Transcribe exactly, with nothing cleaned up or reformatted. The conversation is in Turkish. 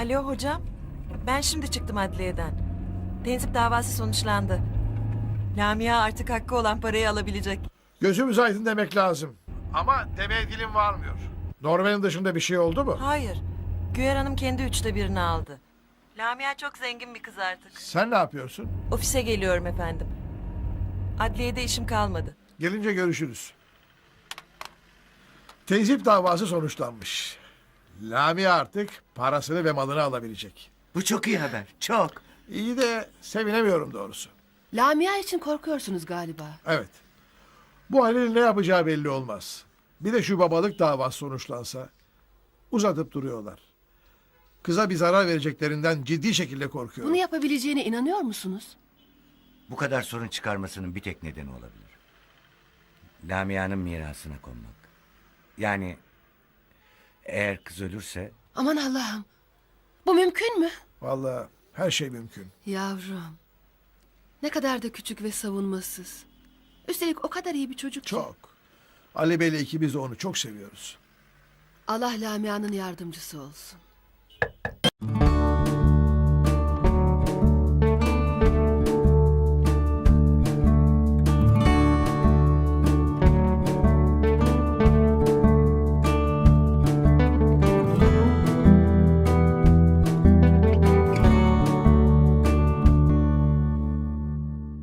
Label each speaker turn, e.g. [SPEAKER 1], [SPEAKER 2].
[SPEAKER 1] Alo hocam. Ben şimdi çıktım adliyeden. Tenzip davası sonuçlandı. Lamia artık hakkı olan parayı alabilecek.
[SPEAKER 2] Gözümüz aydın demek lazım. Ama demeye dilim varmıyor. Norman'ın dışında bir şey oldu mu?
[SPEAKER 1] Hayır. Güyer Hanım kendi üçte birini aldı. Lamia çok zengin bir kız artık.
[SPEAKER 2] Sen ne yapıyorsun?
[SPEAKER 1] Ofise geliyorum efendim. Adliyede işim kalmadı.
[SPEAKER 2] Gelince görüşürüz. Tezip davası sonuçlanmış. Lamia artık parasını ve malını alabilecek.
[SPEAKER 3] Bu çok iyi haber. Çok.
[SPEAKER 2] İyi de sevinemiyorum doğrusu.
[SPEAKER 4] Lamia için korkuyorsunuz galiba.
[SPEAKER 2] Evet. Bu Halil'in ne yapacağı belli olmaz. Bir de şu babalık davası sonuçlansa. Uzatıp duruyorlar. Kıza bir zarar vereceklerinden ciddi şekilde korkuyorum.
[SPEAKER 4] Bunu yapabileceğine inanıyor musunuz?
[SPEAKER 3] Bu kadar sorun çıkarmasının bir tek nedeni olabilir. Lamia'nın mirasına konmak. Yani eğer kız ölürse
[SPEAKER 4] Aman Allah'ım. Bu mümkün mü?
[SPEAKER 2] Vallahi her şey mümkün.
[SPEAKER 4] Yavrum. Ne kadar da küçük ve savunmasız. Üstelik o kadar iyi bir çocuk ki.
[SPEAKER 2] Çok. Ali Bey'le ikimiz de onu çok seviyoruz.
[SPEAKER 4] Allah Lamia'nın yardımcısı olsun.